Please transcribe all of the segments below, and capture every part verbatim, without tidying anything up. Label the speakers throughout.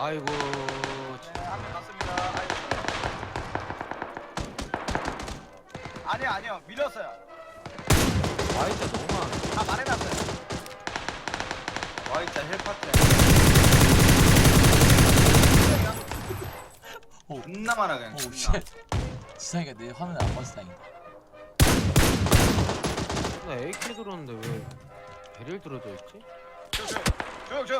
Speaker 1: 아이고.
Speaker 2: 네, 한명 갔습니다. 아니요, 아니요, 밀었어요.
Speaker 1: 와이자 너무 많아.
Speaker 2: 다 말해놨어요.
Speaker 3: 와이자 헬파트
Speaker 4: 오.
Speaker 3: 존나 많아 그냥
Speaker 4: 오
Speaker 3: 존나.
Speaker 4: 쉣. 지상이가 내 화면을 안 봤어 다행이다.
Speaker 1: 나 에이케이 들었는데 왜 배를 들어져 있지?
Speaker 2: 조용, 조용, 조용.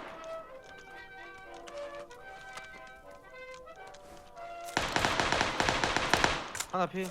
Speaker 1: 하나 피.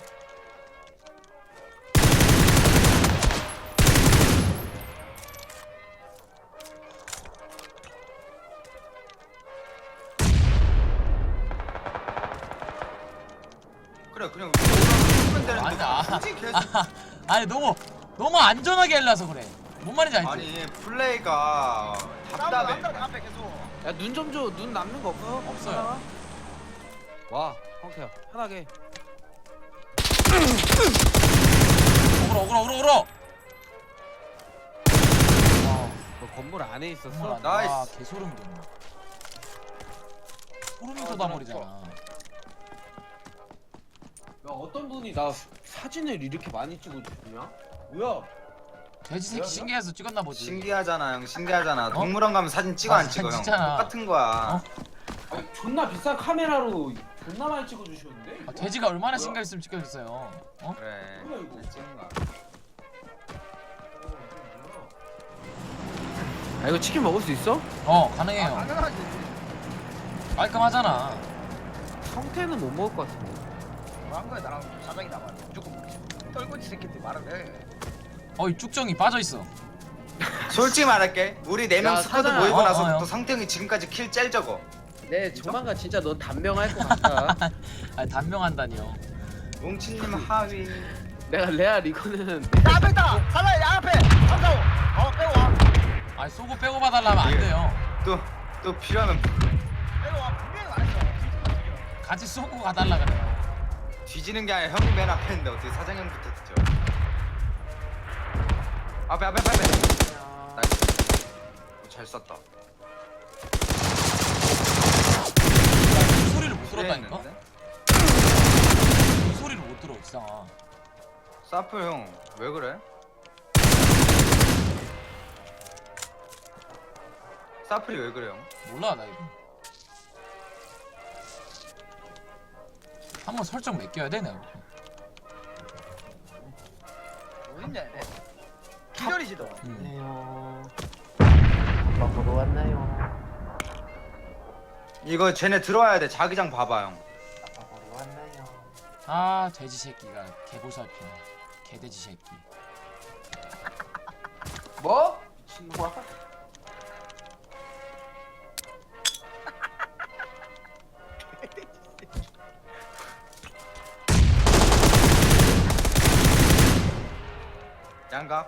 Speaker 3: 그래 그냥 올라가면 되는데
Speaker 4: 아니다.
Speaker 3: 굳이 계속
Speaker 4: 아, 아니 너무 너무 안전하게 하려서 그래. 뭔 말인지 알지?
Speaker 3: 아니 플레이가 답답해.
Speaker 2: 싸움을 한다, 앞에 계속.
Speaker 1: 야 눈 좀 줘. 눈 남는 거 없어?
Speaker 4: 없어요.
Speaker 1: 하나가? 와, 황태야. 편하게.
Speaker 4: 어그로 어그로 어그로 어그로. 와,
Speaker 1: 너 건물 안에
Speaker 4: 정말
Speaker 1: 있었어?
Speaker 4: 안-
Speaker 3: 나이스.
Speaker 4: 와, 개소름 돋네. 소름이
Speaker 2: 아,
Speaker 4: 돋아버리잖아.
Speaker 1: 야 어떤 분이 나 사진을 이렇게 많이 찍어주냐? 뭐야?
Speaker 4: 돼지 새끼 신기해서 찍었나 보지.
Speaker 3: 신기하잖아 형 신기하잖아. 동물원 가면 사진 찍어
Speaker 4: 아,
Speaker 3: 안 찍어 형?
Speaker 4: 진짜나.
Speaker 3: 똑같은 거야.
Speaker 4: 어?
Speaker 1: 아니, 존나 비싼 카메라로 존나 많이 찍어주셨는데?
Speaker 4: 아, 돼지가 얼마나 신경 쓰면 찍혀줬어요. 어?
Speaker 3: 그래.
Speaker 1: 뭐야, 이거?
Speaker 3: 찍은 거야.
Speaker 1: 아 이거 치킨 먹을 수 있어?
Speaker 4: 어
Speaker 2: 아,
Speaker 4: 가능해요.
Speaker 2: 당연하지.
Speaker 4: 깔끔하잖아.
Speaker 1: 성태는 못 먹을 것 같은데.
Speaker 2: 뭐한 거야, 나랑 사장이 나와. 무조건 먹지. 떨거지 새끼들 말을 해.
Speaker 4: 어이 쭉정이 빠져 있어.
Speaker 3: 솔직히 말할게. 우리 네 명
Speaker 1: 야,
Speaker 3: 스쿼드
Speaker 1: 사장아.
Speaker 3: 모이고
Speaker 4: 어,
Speaker 3: 나서부터
Speaker 4: 어, 형.
Speaker 3: 성태형이 지금까지 킬 짤 적어.
Speaker 1: 네 조만간 진짜 너 단명할 것 같다.
Speaker 4: 아 단명한다니요.
Speaker 3: 뭉치님 하위.
Speaker 1: 내가 레알 이거는
Speaker 2: 야, 앞에 있다! 사장이 야, 앞에! 삼사오! 어, 빼고 와.
Speaker 4: 아니 쏘고 빼고 봐달라면 안
Speaker 3: 예.
Speaker 4: 돼요.
Speaker 3: 또 또 필요하면
Speaker 2: 빼고 와. 분명히 안 했어.
Speaker 4: 같이 쏘고 가달라 그래요.
Speaker 3: 뒤지는 게 아니라 형이 맨 앞에 있는데 어떻게 사장형부터 듣죠? 앞에 앞에 앞에 앞에. 나이스. 어, 잘 쐈다.
Speaker 4: 이 소리를 못 들었다니까?
Speaker 3: 했는데?
Speaker 4: 이 소리를 못 들어 이상아.
Speaker 3: 사플 형 왜 그래? 사플이 왜 그래요?
Speaker 4: 몰라 나 이거. 한번 설정 맡겨야 돼 내가.
Speaker 2: 어딨냐, 얘네? 기절이지, 너.
Speaker 4: 음.
Speaker 1: 안녕하세요. 먹으러 왔나요?
Speaker 3: 이거 쟤네 들어와야 돼. 자기장 봐봐 형.
Speaker 1: 먹으러 왔나요?
Speaker 4: 아 돼지 새끼가 개보살피네. 개돼지 새끼.
Speaker 1: 뭐? 미친놈아.
Speaker 3: 양각.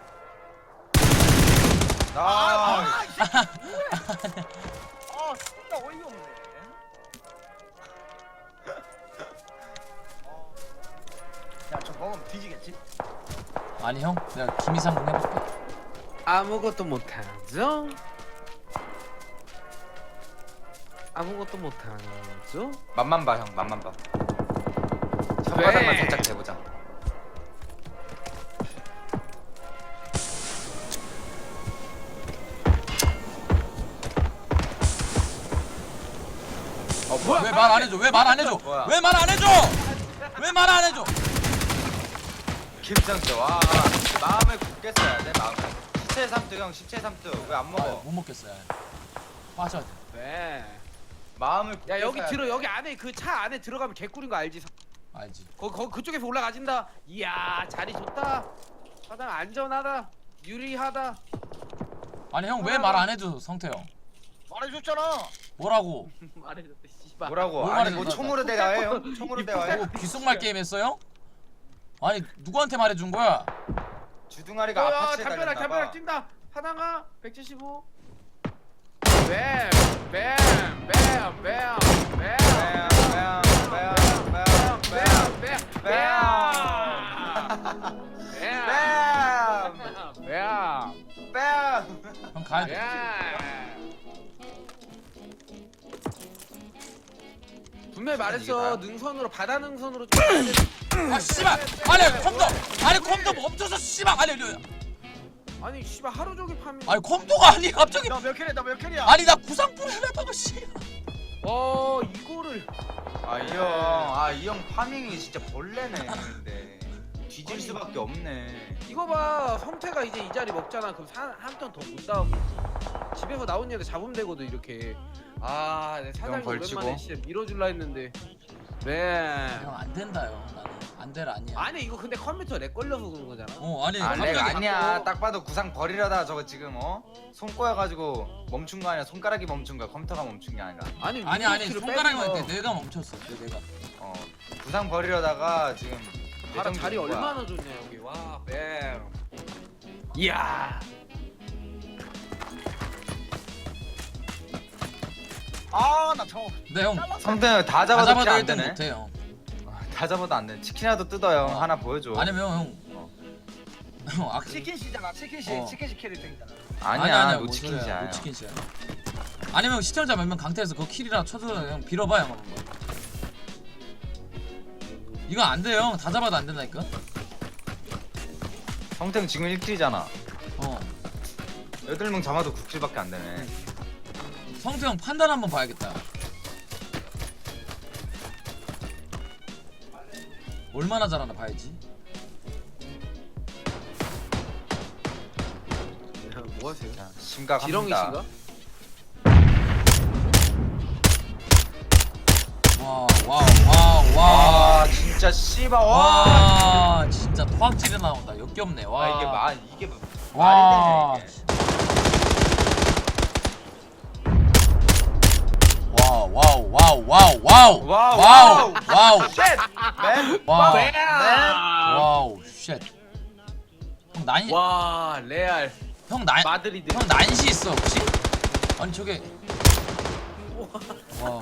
Speaker 2: 아,
Speaker 3: 나.
Speaker 2: 아, 이 새끼 뭐야? 아, 진짜 어이가 없네. 어. 야, 저 먹으면 뒤지겠지?
Speaker 4: 아니 형 내가 김이상군 해볼게.
Speaker 1: 아무것도 못하죠? 아무것도 못하죠?
Speaker 3: 맛만 봐 형. 맛만 봐.
Speaker 1: 왜?
Speaker 3: 손바닥만 살짝 대보자. 어 뭐야?
Speaker 4: 왜 말 안 해줘? 왜 말 안 해줘?
Speaker 3: 뭐야?
Speaker 4: 왜 말 안 해줘? 왜 말 안 해줘?
Speaker 3: 김장도 와 마음을 굳게 써야 돼 마음을. 십칠 삼투 형 십칠 삼투 왜 안
Speaker 4: 아,
Speaker 3: 먹어?
Speaker 4: 못 먹겠어요. 빠져.
Speaker 1: 왜?
Speaker 3: 마음을 굳게
Speaker 1: 야 여기
Speaker 3: 써야
Speaker 1: 들어
Speaker 3: 돼.
Speaker 1: 여기 안에 그 차 안에 들어가면 개꿀인 거 알지?
Speaker 4: 알지.
Speaker 1: 거기 거기 그쪽에서 올라가진다. 이야 자리 좋다. 사장 안전하다. 유리하다.
Speaker 4: 아니 형 왜 말 안 해줘 성태 형?
Speaker 2: 말해줬잖아.
Speaker 4: 뭐라고?
Speaker 1: 말해줬대 씨발.
Speaker 3: 뭐라고?
Speaker 4: 뭘
Speaker 3: 아니
Speaker 4: 말해,
Speaker 3: 뭐
Speaker 4: 나-
Speaker 3: 총으로 대화해요? 총으로 대화해?
Speaker 4: 뭐 귓속말 게임 했어요? 아니 누구한테 말해준 거야?
Speaker 3: 주둥아리가
Speaker 1: 야
Speaker 3: 아파트에
Speaker 1: 담벼락
Speaker 3: 달렸나봐.
Speaker 1: 담벼락 뛴다. 하나가 백칠십오. 뱀, 뱀, 뱀, 뱀, 뱀,
Speaker 3: 뱀, 뱀, 뱀, 뱀,
Speaker 1: 뱀, 뱀,
Speaker 3: 뱀.
Speaker 1: 뱀,
Speaker 3: 뱀!
Speaker 1: 뱀,
Speaker 3: 뱀!
Speaker 4: 형 가야 돼.
Speaker 1: 뱀. 분명히
Speaker 3: 이게
Speaker 1: 말했어.
Speaker 3: 다야?
Speaker 1: 능선으로 바다 능선으로 좀 가야 돼.
Speaker 4: 아 씨발 아니 컴퓨터 아니 컴퓨터 멈춰서 씨발 아니 아니
Speaker 1: 아니 씨발 하루 종일 파밍.
Speaker 4: 아니 컴퓨터가 아니 갑자기
Speaker 2: 너몇 킬이야 너몇 킬이야
Speaker 4: 아니 나 구상불 해놨다가 씨
Speaker 1: 어 이거를
Speaker 3: 아 이 형 아 이 형 파밍이 진짜 벌레네 근데 뒤질 수밖에 없네.
Speaker 1: 이거 봐. 성태가 이제 이 자리 먹잖아. 그럼 한 턴 더 못 나오겠지. 집에서 나온 얘가 잡으면 되거든 이렇게. 아, 내 사장님
Speaker 3: 벌치고.
Speaker 1: 오랜만에 진짜 밀어줄라 했는데. 네.
Speaker 4: 형 안 된다요 나는 안 될 아니야
Speaker 1: 아니 이거 근데 컴퓨터 렉 걸려서 그런 거잖아.
Speaker 4: 어 아니
Speaker 3: 아 렉
Speaker 4: 갑자기
Speaker 3: 아니야. 딱 봐도 구상 버리려다 저거 지금 어? 손 꼬여가지고 멈춘 거 아니야. 손가락이 멈춘 거야. 컴퓨터가 멈춘 게 아니라.
Speaker 1: 아니
Speaker 4: 아니 아니
Speaker 1: 위키를
Speaker 4: 손가락이
Speaker 1: 빼서
Speaker 4: 맞대 내가 멈췄어 내- 내가
Speaker 3: 어 구상 버리려다가 지금
Speaker 1: 봐라
Speaker 3: 내정
Speaker 1: 자리
Speaker 3: 준 거야.
Speaker 1: 얼마나 좋냐 여기. 와, 뱀. 이야.
Speaker 2: 아나 저거
Speaker 4: 근데 형
Speaker 3: 성태 다
Speaker 4: 다
Speaker 3: 잡아도
Speaker 4: 잡아도
Speaker 3: 킬안
Speaker 4: 일 등
Speaker 3: 되네.
Speaker 4: 못해 형
Speaker 3: 아, 다 잡아도 안 돼. 치킨이라도 뜯어요.
Speaker 4: 어.
Speaker 3: 하나 보여줘.
Speaker 4: 아니면 형 형, 아,
Speaker 2: 치킨씨잖아 치킨씨
Speaker 4: 어.
Speaker 2: 치킨씨 캐릭 등이잖아
Speaker 3: 아니야.
Speaker 4: 뭔
Speaker 3: 노치킨이야.
Speaker 4: 소리야,
Speaker 3: 형.
Speaker 4: 노치킨이야. 아니면 시청자 몇 명 강퇴해서 그 킬이라 쳐서 형 빌어봐 형 한번. 이거 안 돼요 형. 다 잡아도 안 된다니까.
Speaker 3: 성태는 지금 일 킬이잖아.
Speaker 4: 어.
Speaker 3: 여덟 명 잡아도 구 킬밖에 안 되네.
Speaker 4: 성태 형 판단 한번 봐야겠다. 얼마나 잘하나 봐야지.
Speaker 1: 뭐 하세요?
Speaker 3: 자, 심각합니다.
Speaker 1: 지렁이신가?
Speaker 4: 와, 와우, 와우, 와.
Speaker 3: 와 진짜 씨발 와.
Speaker 4: 와, 진짜 토악질이 나온다. 역겹네. 와,
Speaker 3: 와 이게 마 이게 뭐-
Speaker 4: 와.
Speaker 3: 말이 되냐 이게.
Speaker 4: 와우, 와우, 와우, 와우, 와우.
Speaker 3: 와우,
Speaker 4: 와우, 와우.
Speaker 3: 맨.
Speaker 4: 와우.
Speaker 3: 맨.
Speaker 4: 와우, 쉣. 형 난,
Speaker 1: 와, 레알
Speaker 4: 형 난,
Speaker 1: 마드리드.
Speaker 4: 형 난시 있어 혹시? 아니 저게. 와.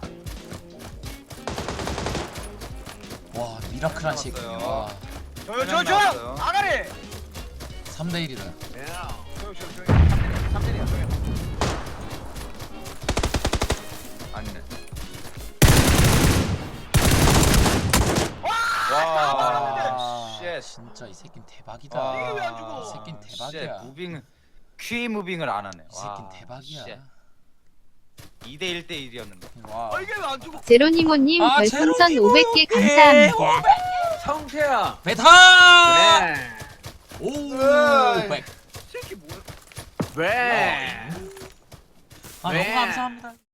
Speaker 4: 와 미라클한 새끼. 와.
Speaker 2: 조용 조용 조용 아가리
Speaker 4: 삼 대 일이다.
Speaker 2: 조용 조용 조용 삼 대리야 조용
Speaker 3: 아니네.
Speaker 2: 와
Speaker 3: 와.
Speaker 4: 쉣.
Speaker 3: 쉣.
Speaker 4: 진짜 이 새끼는 대박이다.
Speaker 3: 와.
Speaker 2: 이게 왜안 죽어?
Speaker 4: 이 새끼는 대박이야.
Speaker 3: 쉣, 무빙 퀴 무빙을 안 하네.
Speaker 4: 이 새끼는 대박이야.
Speaker 3: 이 대 일 대 일이었는데.
Speaker 4: 와.
Speaker 2: 아 이게 왜 안 죽어
Speaker 5: 제로니모님
Speaker 4: 아,
Speaker 5: 별풍선
Speaker 4: 제로니모.
Speaker 5: 오백 개 감사합니다.
Speaker 1: 성태야.
Speaker 4: 베타.
Speaker 1: 네.
Speaker 4: 오.
Speaker 3: 으이.
Speaker 4: 백.
Speaker 2: 새끼 뭐야
Speaker 1: 네.
Speaker 4: 아 너무
Speaker 1: 네.
Speaker 4: 감사합니다.